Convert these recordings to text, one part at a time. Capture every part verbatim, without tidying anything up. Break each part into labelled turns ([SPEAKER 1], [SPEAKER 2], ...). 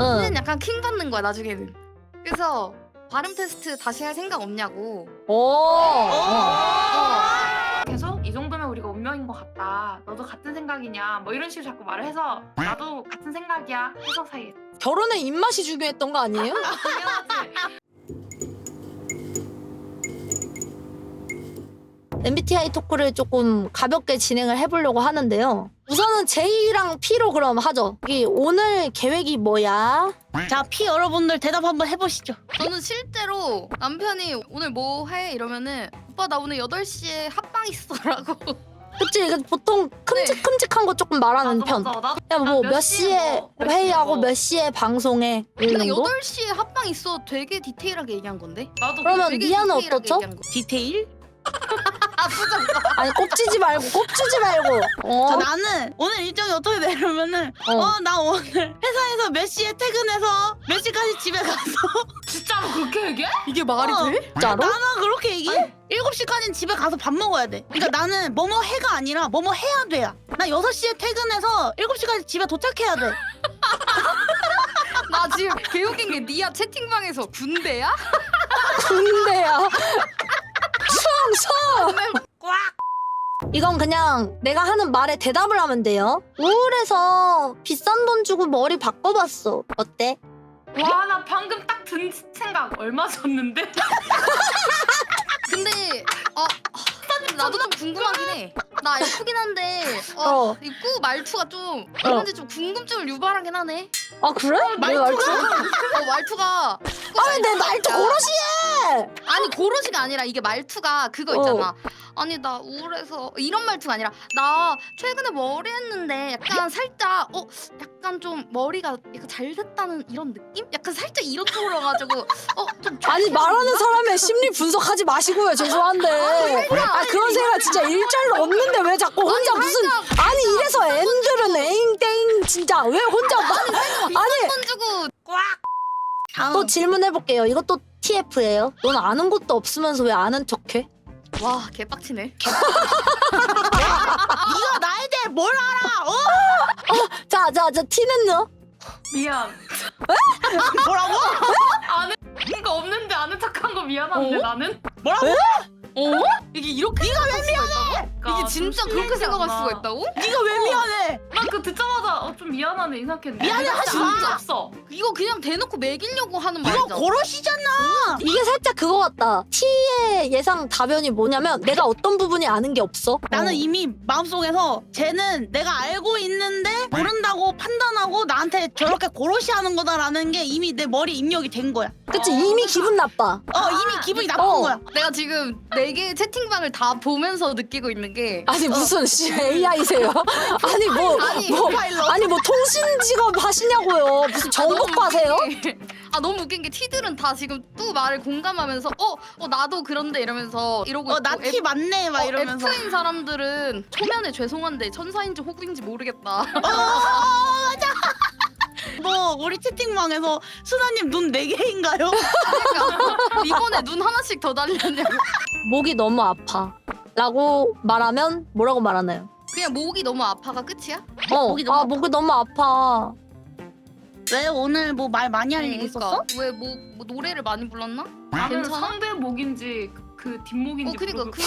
[SPEAKER 1] 는 약간 킹 받는 거야 나중에는. 그래서 발음 테스트 다시 할 생각 없냐고.
[SPEAKER 2] 오.
[SPEAKER 1] 어.
[SPEAKER 3] 계속 이 정도면 우리가 운명인 것 같다. 너도 같은 생각이냐? 뭐 이런 식으로 자꾸 말을 해서 나도 같은 생각이야. 해서 사이에.
[SPEAKER 2] 결혼에 입맛이 중요했던 거 아니에요?
[SPEAKER 3] 당연하지.
[SPEAKER 2] 엠비티아이 토크를 조금 가볍게 진행을 해보려고 하는데요. 우선은 제이랑 P로 그럼 하죠. 이 오늘 계획이 뭐야?
[SPEAKER 4] 자, 피 여러분들 대답 한번 해보시죠.
[SPEAKER 1] 저는 실제로 남편이 오늘 뭐 해? 이러면은 오빠 나 오늘 여덟 시에 합방 있어 라고.
[SPEAKER 2] 그치? 이거 보통 큼직큼직한 거 조금 말하는
[SPEAKER 3] 맞아,
[SPEAKER 2] 편.
[SPEAKER 3] 맞아. 나
[SPEAKER 2] 야, 뭐
[SPEAKER 3] 몇
[SPEAKER 2] 몇
[SPEAKER 3] 시에
[SPEAKER 2] 시에
[SPEAKER 3] 뭐, 몇 시에
[SPEAKER 2] 회의하고
[SPEAKER 3] 뭐.
[SPEAKER 2] 몇 시에 방송해. 이
[SPEAKER 1] 근데
[SPEAKER 2] 정도?
[SPEAKER 1] 여덟 시에 합방 있어 되게 디테일하게 얘기한 건데?
[SPEAKER 3] 나도
[SPEAKER 2] 그러면
[SPEAKER 1] 되게
[SPEAKER 2] 미아는
[SPEAKER 1] 디테일하게
[SPEAKER 2] 어떻죠?
[SPEAKER 1] 얘기한 거.
[SPEAKER 4] 디테일?
[SPEAKER 1] 아 부정.
[SPEAKER 2] 아니 꼽지지 말고 꼽지지 말고. 어?
[SPEAKER 4] 자, 나는 오늘 일정이 어떻게 되냐면은
[SPEAKER 2] 어.
[SPEAKER 4] 어, 나 오늘 회사에서 몇 시에 퇴근해서 몇 시까지 집에 가서
[SPEAKER 3] 진짜로 그렇게 얘기해?
[SPEAKER 1] 이게 말이
[SPEAKER 4] 어.
[SPEAKER 1] 돼?
[SPEAKER 2] 진짜로?
[SPEAKER 4] 나는 그렇게 얘기해. 일곱 시까지는 집에 가서 밥 먹어야 돼. 그러니까 나는 뭐뭐 해가 아니라 뭐뭐 해야 돼야. 나 여섯 시에 퇴근해서 일곱 시까지 집에 도착해야 돼.
[SPEAKER 1] 나 지금 개웃긴 게 니아 채팅방에서 군대야?
[SPEAKER 2] 군대야. 충성! 이건 그냥 내가 하는 말에 대답을 하면 돼요. 우울해서 비싼 돈 주고 머리 바꿔봤어. 어때?
[SPEAKER 3] 와, 나 방금 딱 든 생각. 얼마 줬는데?
[SPEAKER 1] 근데 아 나도 좀 궁금하긴 해. 나 F긴 한데 어,
[SPEAKER 2] 어.
[SPEAKER 1] 이 꾸 말투가 좀 얼마인지 좀 궁금증을 유발하긴 하네.
[SPEAKER 2] 아 그래? 내 말투?
[SPEAKER 1] 어 말투가
[SPEAKER 2] 아니 내 말투 고로시해!
[SPEAKER 1] 아니 고로시가 아니라 이게 말투가 그거 있잖아. 아니 나 우울해서 이런 말투가 아니라 나 최근에 머리 했는데 약간 살짝 어 약간 좀 머리가 약간 잘 됐다는 이런 느낌? 약간 살짝 이런 쪽으로 가지고 어좀
[SPEAKER 2] 아니 말하는 사람의 심리 분석하지 마시고요. 죄송한데. 아 그런 생각 진짜 일절로 없는데 왜 자꾸 혼자
[SPEAKER 1] 아니,
[SPEAKER 2] 무슨 아니 이래서 앤들은 에잉땡 진짜 왜 혼자 막 아니
[SPEAKER 1] 돈 주고
[SPEAKER 4] 다음.
[SPEAKER 2] 또 질문해볼게요. 이것도 티에프예요. 넌 아는 것도 없으면서 왜 아는 척해?
[SPEAKER 1] 와 개빡치네.
[SPEAKER 4] 네가 나에 대해 뭘 알아? 어?
[SPEAKER 2] 자, 자, 자, 티는요?
[SPEAKER 3] 미안.
[SPEAKER 4] 뭐라고?
[SPEAKER 3] 아는 거 없는데 아는 척한 거 미안한데
[SPEAKER 1] 어?
[SPEAKER 3] 나는?
[SPEAKER 4] 뭐라고?
[SPEAKER 1] 어? 이게 이렇게 네가 왜 미안해?
[SPEAKER 3] 그러니까
[SPEAKER 1] 이게 진짜
[SPEAKER 3] 좀
[SPEAKER 1] 그렇게 생각할
[SPEAKER 3] 실례잖아.
[SPEAKER 1] 수가 있다고?
[SPEAKER 4] 네가 왜 미안해?
[SPEAKER 3] 난 그거 듣자마자 어, 좀 미안하네 이 생각했는데.
[SPEAKER 4] 미안해 하지
[SPEAKER 3] 진짜
[SPEAKER 4] 마.
[SPEAKER 3] 없어.
[SPEAKER 1] 이거 그냥 대놓고 매기려고 하는
[SPEAKER 4] 이거
[SPEAKER 1] 말이잖아.
[SPEAKER 4] 고로시잖아.
[SPEAKER 2] 이게 살짝 그거 같다. T의 예상 답변이 뭐냐면 내가 어떤 부분이 아는 게 없어.
[SPEAKER 4] 나는
[SPEAKER 2] 어.
[SPEAKER 4] 이미 마음속에서 쟤는 내가 알고 있는데 모른다고 판단하고 나한테 저렇게 고로시 하는 거다라는 게 이미 내 머리 입력이 된 거야.
[SPEAKER 2] 그치, 이미 기분 나빠.
[SPEAKER 4] 어, 이미 기분이 나쁜
[SPEAKER 2] 어.
[SPEAKER 4] 거야.
[SPEAKER 1] 내가 지금 네 개의 채팅방을 다 보면서 느끼고 있는 게
[SPEAKER 2] 아니, 무슨 씨 에이아이세요? 아니, 뭐,
[SPEAKER 1] 아니,
[SPEAKER 2] 뭐,
[SPEAKER 4] 파일럿.
[SPEAKER 2] 아니, 뭐, 통신 직업 하시냐고요. 무슨 정보과세요?
[SPEAKER 1] 아 너무 웃긴 게 티들은 다 지금 또 말을 공감하면서 어, 어 나도 그런데 이러면서 이러고
[SPEAKER 4] 어,
[SPEAKER 1] 있고
[SPEAKER 4] 나 티 맞네 막
[SPEAKER 1] 어,
[SPEAKER 4] 이러면서.
[SPEAKER 1] F인 사람들은 초면에 죄송한데 천사인지 호구인지 모르겠다.
[SPEAKER 4] 어, 맞아. 뭐 우리 채팅방에서 수나님 눈 네 개인가요?
[SPEAKER 1] 그러니까 이번에 눈 하나씩 더 달렸냐고.
[SPEAKER 2] 목이 너무 아파. 라고 말하면 뭐라고 말하나요?
[SPEAKER 1] 그냥 목이 너무 아파가 끝이야?
[SPEAKER 2] 어,
[SPEAKER 4] 목이 너무
[SPEAKER 2] 아,
[SPEAKER 4] 아파.
[SPEAKER 2] 목이 너무 아파.
[SPEAKER 4] 왜 오늘 뭐 말 많이 할 일
[SPEAKER 1] 그러니까
[SPEAKER 4] 있었어?
[SPEAKER 1] 왜 뭐 뭐 노래를 많이 불렀나?
[SPEAKER 3] 나는
[SPEAKER 1] 괜찮아?
[SPEAKER 3] 상대 목인지 그, 그 뒷목인지
[SPEAKER 1] 어 그니까
[SPEAKER 3] 모르고.
[SPEAKER 1] 그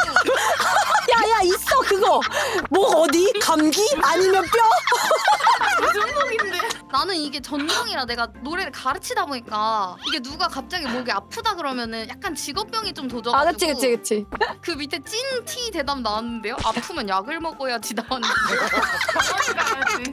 [SPEAKER 2] 야, 야, 있어, 그거. 목 어디? 감기? 아니면 뼈?
[SPEAKER 3] 무슨 목인데?
[SPEAKER 1] 나는 이게 전공이라 내가 노래를 가르치다 보니까 이게 누가 갑자기 목이 아프다 그러면은 약간 직업병이 좀 도져가지고
[SPEAKER 2] 아, 그치, 그치, 그치.
[SPEAKER 1] 그 밑에 찐 티 대답 나왔는데요? 아프면 약을 먹어야지 나왔는데
[SPEAKER 3] 병원에 가야지.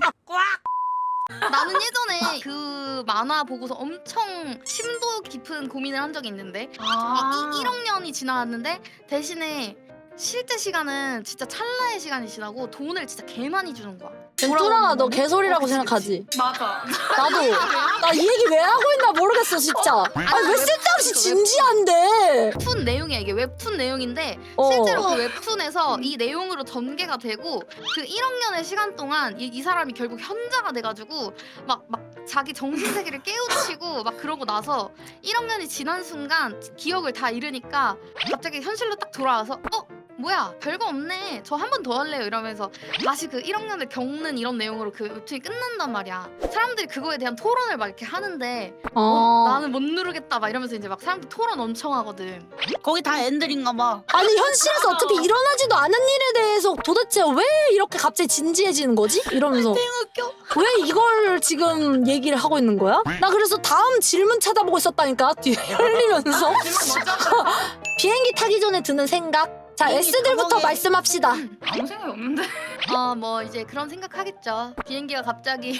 [SPEAKER 1] 나는 예전에 그 만화 보고서 엄청 심도 깊은 고민을 한 적이 있는데 아, 이, 일억 년이 지나갔는데 대신에 실제 시간은 진짜 찰나의 시간이 지나고 돈을 진짜 개 많이 주는 거야.
[SPEAKER 2] 뚜랑아, 너 개소리라고
[SPEAKER 1] 어, 그치,
[SPEAKER 2] 생각하지?
[SPEAKER 3] 맞아.
[SPEAKER 2] 나도. 나 이 얘기 왜 하고 있나 모르겠어, 진짜. 아니, 왜 쓸데없이 진지한데?
[SPEAKER 1] 웹툰 내용이야 이게 웹툰 내용인데
[SPEAKER 2] 어.
[SPEAKER 1] 실제로 그 웹툰에서 이 내용으로 전개가 되고 그 일억 년의 시간 동안 이, 이 사람이 결국 현자가 돼가지고 막 막 자기 정신세계를 깨우치고 막 그러고 나서 일억 년이 지난 순간 기억을 다 잃으니까 갑자기 현실로 딱 돌아와서 어? 뭐야 별거 없네 저 한 번 더 할래요 이러면서 다시 그 일 학년을 겪는 이런 내용으로 그 웹툰이 끝난단 말이야. 사람들이 그거에 대한 토론을 막 이렇게 하는데 어,
[SPEAKER 2] 어.
[SPEAKER 1] 나는 못 누르겠다 막 이러면서 이제 막 사람들 토론 엄청 하거든.
[SPEAKER 4] 거기 다 엔들인가 봐.
[SPEAKER 2] 아니 현실에서 어차피 일어나지도 않은 일에 대해서 도대체 왜 이렇게 갑자기 진지해지는 거지? 이러면서
[SPEAKER 4] 웃겨.
[SPEAKER 2] 왜 이걸 지금 얘기를 하고 있는 거야? 나 그래서 다음 질문 찾아보고 있었다니까 뒤에 흘리면서 비행기 타기 전에 드는 생각? 자
[SPEAKER 4] 비행기
[SPEAKER 2] S들부터
[SPEAKER 4] 타먹이-
[SPEAKER 2] 말씀합시다.
[SPEAKER 3] 아무 생각이 없는데.
[SPEAKER 1] 어 뭐 이제 그런 생각하겠죠. 비행기가 갑자기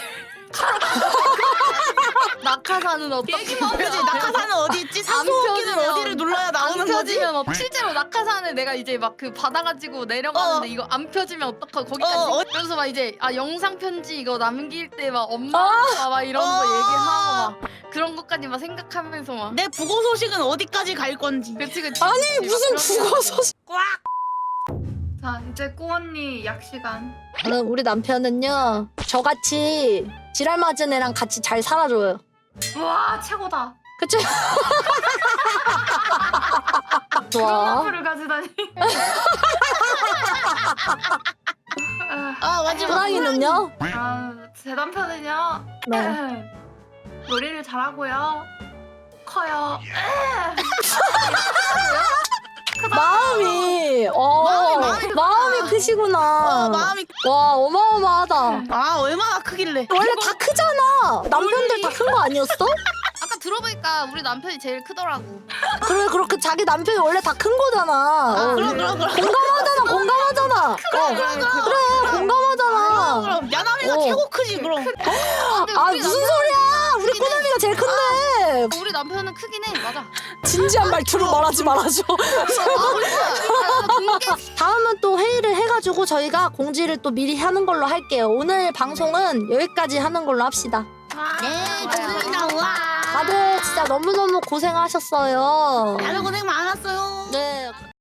[SPEAKER 1] 낙하산은 어떻게
[SPEAKER 4] 그지 낙하산은 어디 있지? 산소호흡기는
[SPEAKER 1] 펴지면-
[SPEAKER 4] 어디를 눌러야
[SPEAKER 1] 안
[SPEAKER 4] 나오는 거지?
[SPEAKER 1] 펴지면 뭐 실제로 낙하산을 내가 이제 막 그 받아가지고 내려가는데
[SPEAKER 4] 어.
[SPEAKER 1] 이거 안 펴지면 어떡하고 거기까지
[SPEAKER 4] 어, 어.
[SPEAKER 1] 그래서 막 이제 아 영상 편지 이거 남길 때 막 엄마가 막 이런 거
[SPEAKER 4] 어.
[SPEAKER 1] 얘기하고 막 그런 것까지 막 생각하면서 막
[SPEAKER 4] 내 부고 소식은 어디까지 갈 건지.
[SPEAKER 1] 그치 그치
[SPEAKER 2] 아니
[SPEAKER 1] 그치, 막
[SPEAKER 2] 무슨
[SPEAKER 1] 그런
[SPEAKER 2] 국어
[SPEAKER 1] 생각이.
[SPEAKER 2] 소식?
[SPEAKER 3] 자 이제 꼬 언니 약 시간.
[SPEAKER 2] 저는 우리 남편은요 저같이 지랄 맞은 애랑 같이 잘 살아줘요.
[SPEAKER 3] 와 최고다.
[SPEAKER 2] 그치?
[SPEAKER 3] 그런
[SPEAKER 2] 좋아.
[SPEAKER 3] 앞을 가지다니. 아,
[SPEAKER 4] 아 마지막
[SPEAKER 2] 호랑이는요?
[SPEAKER 3] 아, 제 남편은요.
[SPEAKER 2] 네.
[SPEAKER 3] 요리를 잘하고요. 커요.
[SPEAKER 2] 마음이 어
[SPEAKER 4] 마음이, 마음이
[SPEAKER 2] 마음이 크시구나.
[SPEAKER 4] 어 마음이
[SPEAKER 2] 와 어마어마하다.
[SPEAKER 4] 아 얼마나 크길래.
[SPEAKER 2] 원래 다 크잖아. 남편들 다 큰 거 아니었어?
[SPEAKER 1] 아까 들어보니까 우리 남편이 제일 크더라고.
[SPEAKER 2] 그래 그렇게 자기 남편이 원래 다 큰 거잖아. 어,
[SPEAKER 4] 그럼 그럼 그럼.
[SPEAKER 2] 공감하잖아 공감하잖아.
[SPEAKER 4] 그럼 그럼 그럼.
[SPEAKER 2] 그래 공감하잖아.
[SPEAKER 4] 그럼 야나미가
[SPEAKER 2] 어.
[SPEAKER 4] 최고 크지 그럼.
[SPEAKER 1] 근데
[SPEAKER 2] 아
[SPEAKER 1] 우리
[SPEAKER 2] 무슨
[SPEAKER 1] 남편-
[SPEAKER 2] 소리야? 우리 꼬남이가 제일 큰데.
[SPEAKER 1] 우리 남편은 크긴 해 맞아.
[SPEAKER 2] 진지한 말투로 말하지 말아줘. 다음은 또 회의를 해가지고 저희가 공지를 또 미리 하는 걸로 할게요. 오늘 방송은 여기까지 하는 걸로 합시다.
[SPEAKER 4] 네
[SPEAKER 3] 좋아요.
[SPEAKER 4] 좋습니다. 와.
[SPEAKER 2] 다들 진짜 너무너무 고생하셨어요.
[SPEAKER 4] 다들 고생 많았어요.
[SPEAKER 2] 네.